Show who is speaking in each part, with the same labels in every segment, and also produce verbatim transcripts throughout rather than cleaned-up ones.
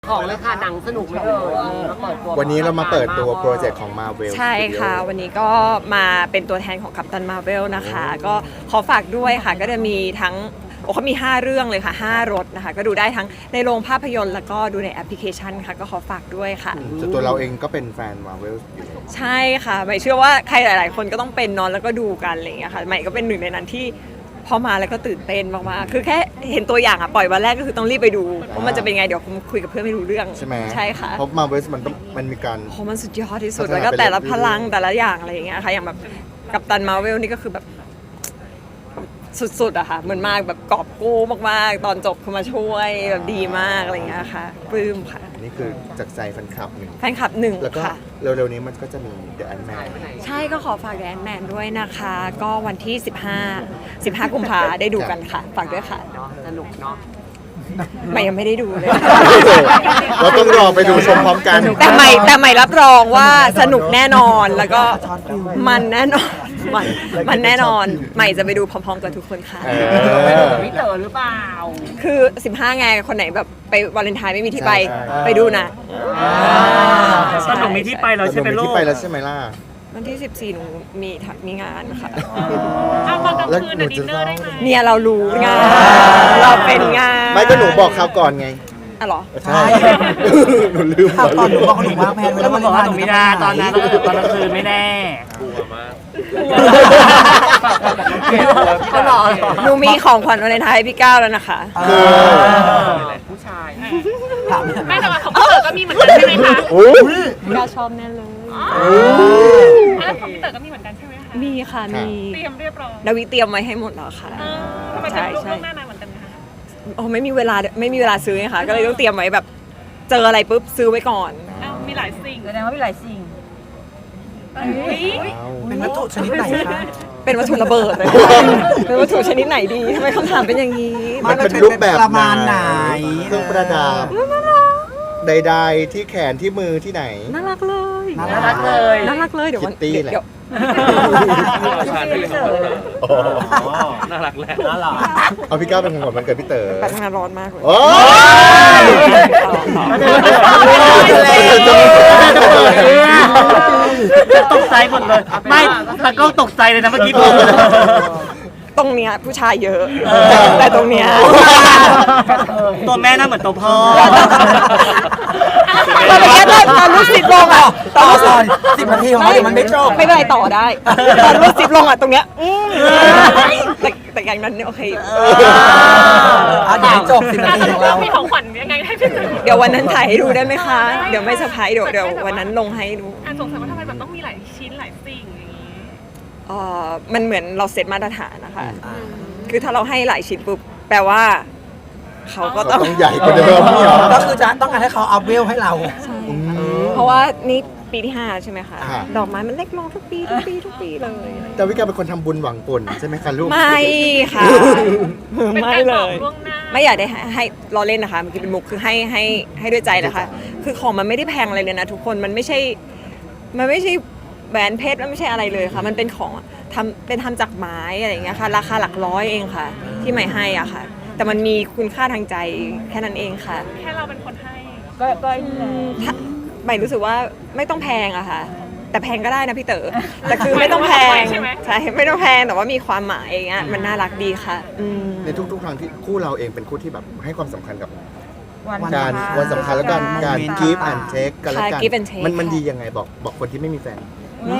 Speaker 1: ของเลยค่ะหนังสนุกไหมเอ่ยมาเปิดตัว
Speaker 2: วันนี้เรามาเปิดตัวโปรเจกต์ของ Marvel
Speaker 3: ใช่ค่ะ วันนี้ก็มาเป็นตัวแทนของกัปตันมาร์เวลนะคะ ก็ขอฝากด้วยค่ะ ก็จะมีทั้งโอ้เขามีห้าเรื่องเลยค่ะห้ารถนะคะ ก็ดูได้ทั้งในโรงภาพยนตร์แล้วก็ดูในแอปพลิเคชันค่ะ ก็ขอฝากด้วยค่ะ
Speaker 2: ส่วนตัวเราเองก็เป็นแฟน Marvel อยู่แล้ว
Speaker 3: ใช่ค่ะใหม่เชื่อว่าใครหลาย ๆ คนก็ต้องเป็นนอนแล้วก็ดูกันอะไรอย่างเงี้ยค่ะใหม่ก็เป็นหนึ่งในนั้นที่พอมาแล้วก็ตื่นเต้นมากๆคือแค่เห็นตัวอย่างอะปล่อยวันแรกก็คือต้องรีบไปดูเพราะมันจะเป็นไงเดี๋ยวคุยกับเพื่อนไม่รู้เรื่อง
Speaker 2: ใช่ไหม
Speaker 3: ใช่ค่ะ
Speaker 2: เพราะ Marvel มันต้องมันมีการ
Speaker 3: โอ้มันสุดยอดที่สุด
Speaker 2: พัฒนา
Speaker 3: แล้วก็แต่ละ
Speaker 2: ไปเรื่อยๆ
Speaker 3: พลังแต่ละอย่างอะไรอย่างเงี้ยค่ะอย่างแบบกัปตันมาร์เวลนี่ก็คือแบบสุดๆอะค่ะเหมือนมากแบบกอบกู้มากๆ ตอนจบคือมาช่วยแบบดีมากอะไรอย่างเงี้ยค่ะปลื้มค่ะ
Speaker 2: อันนี้คือจากใจแฟนคลับหนึ่ง
Speaker 3: แฟนคลับหนึ่ง
Speaker 2: แล้วก็
Speaker 3: ค่ะ
Speaker 2: เร็วๆนี้มันก็จะมี The Ant-Man
Speaker 3: ใช่ก็ขอฝากแอนแมนด้วยนะคะ ก็วันที่ สิบห้า สิบห้า กุมภาได้ดูกันค่ะ ฝากด้วยค่ะ
Speaker 1: เนาะสนุกเนาะ
Speaker 3: ใหม่ยังไม่ได้ดูเลย
Speaker 2: เราต้องรอไปดูชมพร้อมกัน
Speaker 3: แต่ใหม่แต่ใหม่รับรองว่าสนุกแน่นอนแล้วก็มันแน่นอนมันมันแน่นอนใหม่จะไปดูพร้อมๆกับทุกคนค่ะ
Speaker 2: เอ
Speaker 1: ไปดู
Speaker 2: อ
Speaker 1: กับพี่เต๋อหรือเปล่า
Speaker 3: คือ สิบห้า ไงคนไหนแบบไปวาเลนไทน์ไม่มีที่ไป
Speaker 2: ใช่ใช่
Speaker 3: ไปดูนะ
Speaker 4: สนุกมีที่ไปแล้วใช่ไหม
Speaker 2: แต่ห
Speaker 4: ลู
Speaker 2: นุ่
Speaker 4: ก
Speaker 2: ที่ไปแล้วใช่ไหมล่ะ
Speaker 3: วันที่ สิบสี่ หนูมีทำมีงานค่ะ
Speaker 5: เอาตอนกลาง
Speaker 2: แล้ว
Speaker 5: คืน
Speaker 2: หนู
Speaker 5: น่ะดิ
Speaker 2: จะ
Speaker 5: นเนอร์ได้ไหม
Speaker 3: เนี่ยเรารู้งานเราเป็นงาน
Speaker 2: ไม่ก็หนูบอกคราวก่อนไง
Speaker 3: อ่ะเหรอ
Speaker 2: ใช่ หนูลืม
Speaker 6: ข่าวตอนหนูบอกหนูวางแผนไว้
Speaker 4: แล้
Speaker 6: แล้ว ว
Speaker 4: มั
Speaker 6: วัน น
Speaker 4: บอกว่า
Speaker 6: ทา
Speaker 4: ห
Speaker 6: น
Speaker 4: นู
Speaker 6: หนู
Speaker 4: ไม่
Speaker 6: จะ
Speaker 4: ได้
Speaker 6: ไป
Speaker 4: ตอน
Speaker 6: ไหน
Speaker 4: นั้นตอนกลางคืนไม่แน่
Speaker 1: เขาหรอ
Speaker 3: หนูมีของขวัญวาเลนไทน์ให้พี่ก้าวแล้วนะคะ
Speaker 2: คือ
Speaker 1: ผู้ชาย
Speaker 6: ถาม
Speaker 5: ไม่แต่ว่าของพี่เต๋อก็มีเหมือนกันใช่ไหมคะ
Speaker 2: โอ้ย
Speaker 3: พี่ก้าวชอบแน่เลย
Speaker 5: แล้วของพี่เต๋อก็มีเหมือนกันใช่ไหมคะ
Speaker 3: มีค่ะมี
Speaker 5: เตรียมเรียบร้อย
Speaker 3: ดาวิเตรียมไว้ให้หมดแล้วค่ะ
Speaker 5: เออทำไม
Speaker 3: ใช่
Speaker 5: จะลูก
Speaker 3: ใช่
Speaker 5: ล่วงหน้านานเหมือนกันนะคะ
Speaker 3: โอ้ไม่มีเวลาไม่มีเวลาซื้อไงคะก็เลยต้องเตรียมไว้แบบเจออะไรปุ๊บซื้อไว้ก่อน
Speaker 5: อ้าวมีหลายสิ่ง
Speaker 7: แสดงว่ามีหลายสิ่ง
Speaker 5: อุ๊ย
Speaker 6: เป็นวัตถุชนิดไหนคะ
Speaker 3: เป็นวัตถุระเบิดเลย เป็นวัตถุชนิดไหนดีทำไมคำถามเป็นอย่างนี้
Speaker 2: มันเป็นรูปแบบ
Speaker 6: ประมาณไหน
Speaker 2: เครื่องประดับใดๆที่แขนที่มือที่ไหน
Speaker 3: น่ารักเลย
Speaker 6: น่า
Speaker 1: น่ารักเลย
Speaker 3: น่ารักเลยเดี๋ยววัน
Speaker 2: Kitty แหละ
Speaker 3: เดี๋ยว
Speaker 4: น่ารักแหละ
Speaker 6: น่ารัก
Speaker 2: เอาพี่ก้าวเป็นของขวัญวันเกิดพี่เต๋อ
Speaker 3: แต่ทำงานร้อนมากเลย
Speaker 2: โอ้ย
Speaker 4: ตกใจหมดเลย ไม่ตะก้องตกใจเลยนะเมื่อกี้ผม
Speaker 3: ตรงเนี้ยผู้ชายเยอะ แต่ตรงเนี้ย
Speaker 4: ตัวแม่น่าเหมือนตัวพ่อ
Speaker 3: ตอนเนี้ยตอนตอนรูดซิปลงอ่ะต
Speaker 6: ต่
Speaker 3: อ
Speaker 6: อน
Speaker 3: รูดซิ
Speaker 6: ก่
Speaker 3: ป
Speaker 6: อนสิบนาทีของเราเดี๋ยวมันไม่จบ
Speaker 3: ไม่เป็นไรต่อได้ ตอนรูดซิปลงอ่ะตรงเนี้ยอืมแต่แต่อย่างนั้นเนี่ยโอเคอยู่
Speaker 6: อ่ะเดี๋ยวให้จบสิบนาทีของเรา
Speaker 5: มีของขวัญยังไงให้พี่เต๋อ
Speaker 3: เดี๋ยววันนั้นถ่ายให้ดูได้ไหมคะ เดี๋ยวไม่เซอร์ไพรส์เดี๋ยวเดี๋ยววันนั้นลงให้ดู
Speaker 5: อ่ะสงสัยว่าทำไมแบบต้องมีหลายชิ้นหลายสิ่งอย่างนี้
Speaker 3: เอ่อมันเหมือนเราเซตมาตรฐานนะคะ คือถ้าเราให้หลายชิ้นปุ๊บแปลว่าเขาก็
Speaker 2: ก็
Speaker 3: ต้อง
Speaker 2: ต้องใหญ่กว่าเดิมนี่เหรอ
Speaker 6: ก็คือจะต้องการให้เขาอัพเวลให้เรา
Speaker 2: อืม
Speaker 3: เพราะว่านี่ปีที่ห้าใช่ไหมคะ
Speaker 2: ค่ะ
Speaker 3: ดอกไม้มันเล็กลงทุกปีทุกปีทุกปีเลย
Speaker 2: แต่วิกาเป็นคนทำบุญหวังผลใช่ไหมคะลูก
Speaker 3: ไม่ค่ะ
Speaker 5: เป็น
Speaker 3: ไม่
Speaker 5: การ
Speaker 3: เล
Speaker 5: บอก
Speaker 3: ย
Speaker 5: ล่วงหน้า
Speaker 3: ไม่อยากได้ให้ให้ล้อเล่นนะคะมันคือเป็นมุกคือให้ให้ให้ด้วยใจนะคะ คือของมันไม่ได้แพงอะไรเลยนะทุกคนมันไม่ใช่ มันไม่ใช่แหวนเพชรมันไม่ใช่อะไรเลยค่ะ มันเป็นของทำเป็นทำจากไม้อะไรอย่างเงี้ยค่ะ ราคาหลักร้อยเองค่ะ ที่ใหม่ให้อ่ะค่ะ แต่มันมีคุณค่าทางใจแค่นั้นเองค่ะ
Speaker 5: แค่เราเป็นคนให้
Speaker 7: ก็ก็ไอ้นี่แหละ
Speaker 3: ถ้าใหม่รู้สึกว่าไม่ต้องแพงอะค่ะ แต่แพงก็ได้นะพี่เต๋อแต่คือไม่ต้องแพงใช่ไม่ต้องแพงแต่ว่ามีความหมายอย่างเงี้ยมันน่ารักดีค่ะอืม
Speaker 2: ในทุกๆครั้งที่คู่เราเองเป็นคู่ที่แบบให้ความสำคัญกับ
Speaker 7: วัน
Speaker 2: การ
Speaker 7: สำคัญ
Speaker 2: วันสำคัญและการการ
Speaker 6: การ
Speaker 2: give and take กันและกัน
Speaker 3: ค่ะ give and take
Speaker 2: มันมัน
Speaker 3: ค่ะ
Speaker 2: ดียังไงบอกบอกคนที่ไม่มีแฟน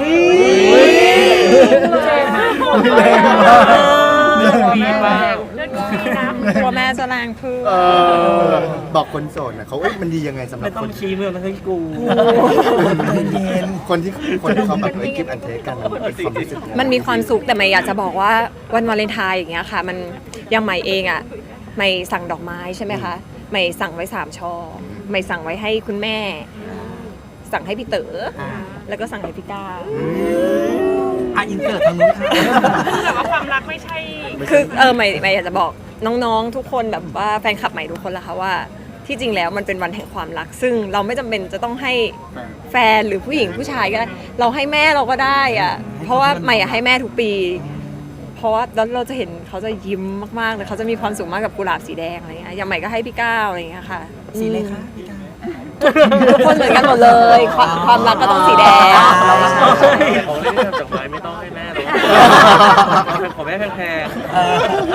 Speaker 4: ดีมาก
Speaker 5: เรื่องนี้นะ
Speaker 3: กลัวแม่จะแรงพึ่ง
Speaker 2: เออบอกคนโสดนะเขาเอ้ยมันดียังไงสำหรั
Speaker 4: ไม่
Speaker 2: บ
Speaker 4: ต้
Speaker 2: ค
Speaker 4: อง
Speaker 2: น
Speaker 4: ชี้มือมันให้กู
Speaker 6: เย็น
Speaker 2: คนที่คนที่เขาแบบเอ้ย give and take กันมันเป็นความรู้สึกยังไง
Speaker 3: มันมีความสุขแต่ใหม่อยากจะบอกว่าวันวาเลนไทน์อย่างเงี้ยค่ะ มันอยังใหม่เองอะใหม่สั่งดอกไม้ใช่ไหมคะใหม่สั่งไว้สามช่อใหม่สั่งไว้ให้คุณแม่ สั่งให้พี่เต๋อแล้วก็สั่งให้พี่ก้าว
Speaker 6: อ่ะอินเสิร์ตทางนู้นค่ะ
Speaker 5: แต่ว่าความรักไม่ใช่
Speaker 3: คือเออใหม่ใหม่อยากจะบอกน้องๆ ทุกคนแบบว่าแฟนคลับใหม่ทุกคนละค่ะว่า ที่จริงแล้วมันเป็นวันแห่งความรัก ซึ่งเราไม่จำเป็นจะต้องให้แฟนหรือผู้หญิงผู้ชายก็ได้เราให้แม่เราก็ได้อะเพราะว่าใหม่อะให้แม่ทุกปี เพราะว่าแล้วเราจะเห็นเขาจะยิ้มมากๆเลยเขาจะมีความสุขมากกับกุหลาบสีแดงอะไรเงี้ยอย่างใหม่ก็ให้พี่ก้าวอะไรเงี้ยค่ะ
Speaker 6: สีเลยค่ะพี่ก้าว
Speaker 3: ทุกคนเหมือนกันหมดเลย ความความรักก็ต้องสีแดง
Speaker 4: ของเล่นจากไม้ไม่ต้องให้แม่หรอกของแม่แพง
Speaker 6: เออ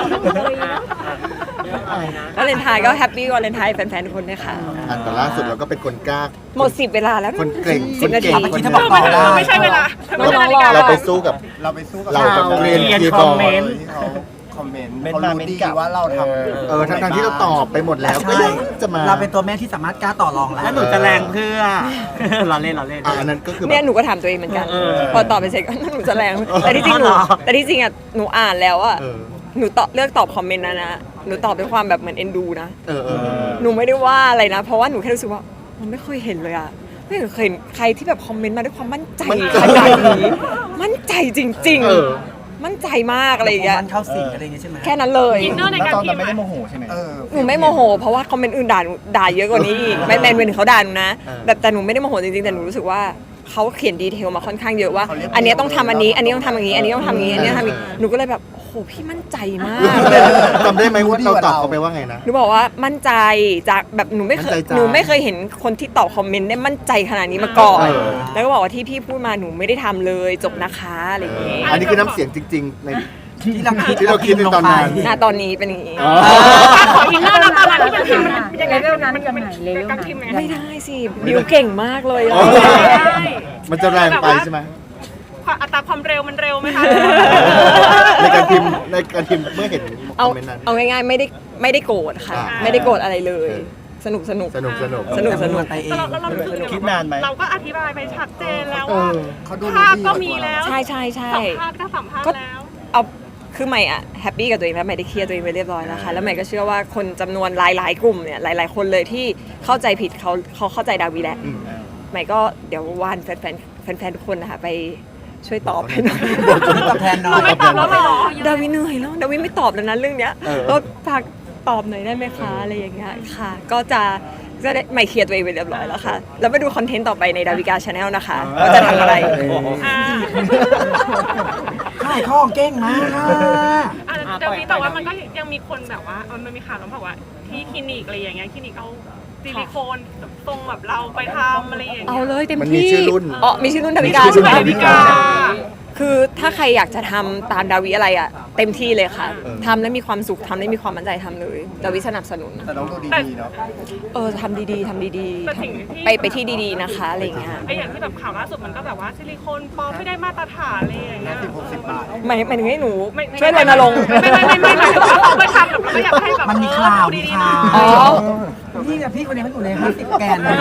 Speaker 3: วาเลนไทน์ก็แฮปปี้วาเลนไทน์แฟนๆทุกคนด้วยค่ะ
Speaker 2: อันแต่ล่าสุดเราก็เป็นคนกล้า
Speaker 3: หมดสิบเวลาแล้ว
Speaker 2: คนเก่ง
Speaker 3: สิบนาที
Speaker 2: คน
Speaker 6: เมื่อ
Speaker 2: เก่
Speaker 6: กี้
Speaker 2: ง
Speaker 6: ถ้าบอกต่อได้
Speaker 5: ไม่ใช่เวลา
Speaker 3: น้องๆรอ
Speaker 2: เราไปสู้กับเราไปสู้กับเราแบบเรียนคีย์บอร์ด
Speaker 8: ที่เขาคอมเมนต์เขารู้ดีว่าเราทำ
Speaker 2: เออทั้งๆที่เราตอบไปหมดแล้วก็
Speaker 6: ใช่
Speaker 2: ยังจะมา
Speaker 6: เราเป็นตัวแม่ที่สามารถกล้าต่อรอง
Speaker 4: ๆ
Speaker 6: แล้
Speaker 4: แล้ว วหนูจะแรงเพื่อ เราเล่นเราเล่น
Speaker 2: อ่ะอันนั้นก็คือแบ
Speaker 3: เนี่ย
Speaker 2: บ
Speaker 3: หนูก็ถามตัวเองเหมือนกัน
Speaker 4: เออ
Speaker 3: พอตอบไปเสร็จก็ หนูจะแรง แต่ที่จริงหนู
Speaker 4: อ๋อเหรอ
Speaker 3: แต่ที่จริงอ่ะหนูอ่านแล้วอ่ะ
Speaker 2: เออ
Speaker 3: หนูตอบเลือกตอบคอมเมนต์นะนะหนูตอบด้วยความแบบเหมือนเอ็นดูนะ
Speaker 2: เออเออเออ
Speaker 3: หนูไม่ได้ว่าอะไรนะ เพราะว่าหนูแค่รู้สึกว่ามันไม่เคยเห็นเลยอะไม่เคยเห็นใครที่แบบคอมเมนต์มาด้วยความมั่นใจ
Speaker 2: มั่นใจ
Speaker 3: ขนาดนี้มั่นใจจริง
Speaker 2: เออ
Speaker 3: ๆ มั่นใจมากอะไรอย่างเงี้ย
Speaker 6: มันเข้าสิงอะไรอย่างเงี้ยใช่ไหม
Speaker 3: แค่นั้นเลย
Speaker 5: อินเนอร์ในการพิมพ์อะ
Speaker 8: เออ
Speaker 3: หนูไม่โมโห เพราะว่าคอมเมนต์อื่นด่าหนูด่าเยอะกว่านี้อีกไม่แมนเป็นเขาด่าหนูนะ
Speaker 2: เออ
Speaker 3: แบบแต่หนูไม่ได้โมโหจริงๆแต่หนูรู้สึกว่าเขาเขียนดีเทลมาค่อนข้างเยอะว่า อันเนี้ยต้องทำอันนี้ อันนี้ต้องทำอย่างนี้ อันนี้ต้องทำอย่างนี้ อันนี้ต้องทำอย่างนี้หนูก็เลยแบบโอ้โหพี่มั่นใจมาก
Speaker 2: จำได้ไหมว่าเราตอบเขาไปว่าไงนะ
Speaker 3: หนูบอกว่ามั่นใจจากแบบหนูไม่เคย
Speaker 2: มั่นใจจ้ะ
Speaker 3: หนูไม่เคยเห็นคนที่ตอบคอมเมนต์ได้มั่นใจขนาดนี้มาก่อน
Speaker 2: เออ
Speaker 3: แล้วก็บอกว่าที่พี่พูดมาหนูไม่ได้ทำเลยจบนะคะอะไรอย่างงี้
Speaker 2: อันนี้คือน้ำเสียงจริง ๆ ใน
Speaker 6: ที่เราคิด
Speaker 2: ที่เราคิดในตอนนั้น
Speaker 3: หน้าตอนนี้เป็นอย่างงี้
Speaker 2: อ๋อ
Speaker 5: ขออินเนอร์แล้วตอนนั้นที่มันพิมพ์มันยังไง
Speaker 7: เลเวลนั้นยังไงเลเวล
Speaker 5: การ
Speaker 7: นั้น
Speaker 5: พิมพ์ยังไง
Speaker 3: ไม่ได้สิบิวเก่งมากเลย
Speaker 2: อ๋อ
Speaker 5: ได้
Speaker 2: มันจะแรงไปใช่ไหม
Speaker 5: ความอัตราความเร็วมันเร็วไหมคะ
Speaker 2: ในการพิมพ์ในการพิมพ์เมื่อเห็นค
Speaker 3: เอา
Speaker 2: อมเมนต์นั้น
Speaker 3: เอาง่ายๆไม่ได้ไม่ได้โกรธค่ะ
Speaker 2: อ่า
Speaker 3: ไม่ได้โกรธอะไรเลย
Speaker 2: เออ
Speaker 3: สนุกสนุก
Speaker 2: สนุกสนุก
Speaker 3: สนุกสนุก
Speaker 6: ไปเอ
Speaker 5: แต่
Speaker 6: ง
Speaker 5: เราเรารู้สึก
Speaker 2: คิดนานไหม
Speaker 5: เราก็อธิบายไปชัดเจนแล้ว
Speaker 2: เอ
Speaker 5: ว่า
Speaker 2: อ
Speaker 8: เขาดู
Speaker 5: ภาพ
Speaker 8: ดี
Speaker 5: ก็มีแล้ว
Speaker 3: ใช่ใช่ใช่
Speaker 5: สัมภาษณ์ก็สัมภาษณ์แล้ว
Speaker 3: เอาคือใหม่อะแฮปปี้กับตัวเองแล้วใหม่ได้เคลียร์ตัวเองไปเรียบร้อยแล้วค่ะแล้วใหม่ก็เชื่อว่าคนจำนวนหลายๆกลุ่มเนี่ยหลาย ๆ คนเลยที่เข้าใจผิดเขาเขาเข้าใจดาวีแล้ว
Speaker 2: อืม
Speaker 3: ใหม่ก็เดี๋ยววานแฟนๆแฟนๆทุกคนนะคะไปช่วยตอบให้หน่อย
Speaker 6: ตอบแทนหน่อย
Speaker 5: ไม่ตอบแล้วเหรอ
Speaker 3: ดาวิเหนื่อยแล้วดาวิไม่ตอบแล้วนะเรื่องเนี้ย
Speaker 2: เออ
Speaker 3: ก็ฝากตอบหน่อยได้ไหมคะอะไรอย่างเงี้ยค่ะ ก็จะก็ได้ใหม่เคลียร์ตัวเองไปเรียบร้อยแล้วค่ะ แล้วไปดูคอนเทนต์ต่อไปในดาวิกาชาแนลนะคะว่าจะทำอะไร
Speaker 5: อ่า
Speaker 6: ขายข้องเก้งมากค่ะ
Speaker 5: อ่ะเดี๋ยวนี้แต่ว่ามันก็ยังมีคนแบบว่าเออมันมีข่าวแล้วบอกว่าที่คลินิกอะไรอย่างเงี้ยคลินิกเอาซิลิโคนตรงแบบเราไปทำอะไรอย่าง
Speaker 3: เอา
Speaker 5: เงี้ย
Speaker 3: เลยเต็ม
Speaker 2: มันมี
Speaker 3: ที่
Speaker 2: ชื่อรุ่น
Speaker 3: อ๋อมีชื่อรุ่นดาวิกา
Speaker 2: มีชื่
Speaker 3: ใช่
Speaker 2: อ
Speaker 3: ไหม
Speaker 2: รุ่นดาวิกา
Speaker 3: คือถ้าใครอยากจะทำตามดาวิอะไรอ่ะเต็มที่เลยค่ะ
Speaker 2: เออ
Speaker 3: ทำแล้วมีความสุขทำแล้วมีความมั่นใจทำเลยดาวิสนับสนุน
Speaker 8: แต่น้องดูดีๆเนาะ
Speaker 3: เออทำดีๆทำดี
Speaker 5: แต่สิ่งที่
Speaker 3: ๆ ไปไปที่ดีๆนะคะอะไรอย่างเงี้ย
Speaker 5: ไออย่างที่แบบข่าวล่าสุดมันก็แบบว่าซิลิโคนปลอมไม่ได้มาตรฐานอะไรอย่างเงี้ย
Speaker 8: สิบหกสิบบาท
Speaker 3: หมายหมายถึงให้หนู
Speaker 5: ไม่ไม่
Speaker 3: ช่วยรณรงค์
Speaker 5: ไม่ไม่ไม่ไม่หมายถึงว่าเขาไปทำแบบเราก็อยากให้แบบ
Speaker 6: มันมีข่าว
Speaker 5: เออ
Speaker 6: มี
Speaker 5: ดี
Speaker 6: ข่าว
Speaker 3: อ๋อ
Speaker 6: พี่กับพี่คนนี้เขาอยู่ในห้าสิบแกนเลย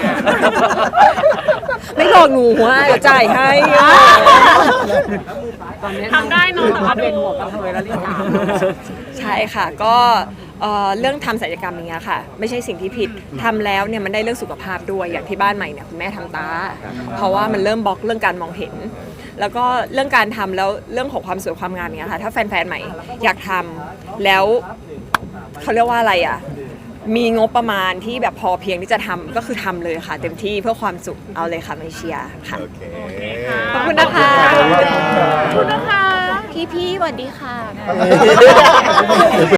Speaker 3: ไม่บอกหนูว่าเดี๋ยวจ่ายให้
Speaker 1: ตอนนี้
Speaker 5: ทำได้เนอะแต่ว่า
Speaker 1: เป็น
Speaker 5: ดู
Speaker 1: หัวกระเทยแล้วรีบถาม
Speaker 3: ใช่ค่ะก็เอ่อเรื่องทำศัลยกรรมอย่างเงี้ยค่ะ ไม่ใช่สิ่งที่ผิดทำแล้วเนี่ยมันได้เรื่องสุขภาพด้วยอย่างที่บ้านใหม่เนี่ยคุณแม่ทำตา เพราะว่ามันเริ่มบล็อกเรื่องการมองเห็น แล้วก็เรื่องการทำแล้วเรื่องของความสวยความงามอย่างเงี้ยค่ะถ้าแฟนๆใหม่อยากทำแล้วเขาเรียกว่าอะไรอ่ะมีงบประมาณที่แบบพอเพียงที่จะทำก็คือทำเลยค่ะ เต็มที่เพื่อความสุขเอาเลยค่ะไม่เชียร์ค่ะ
Speaker 2: โอเค
Speaker 3: ขอบคุณนะคะ
Speaker 2: ขอบคุณค่ะ
Speaker 5: ขอบคุณนะคะ
Speaker 3: พี่ๆสวัสดีค่ะ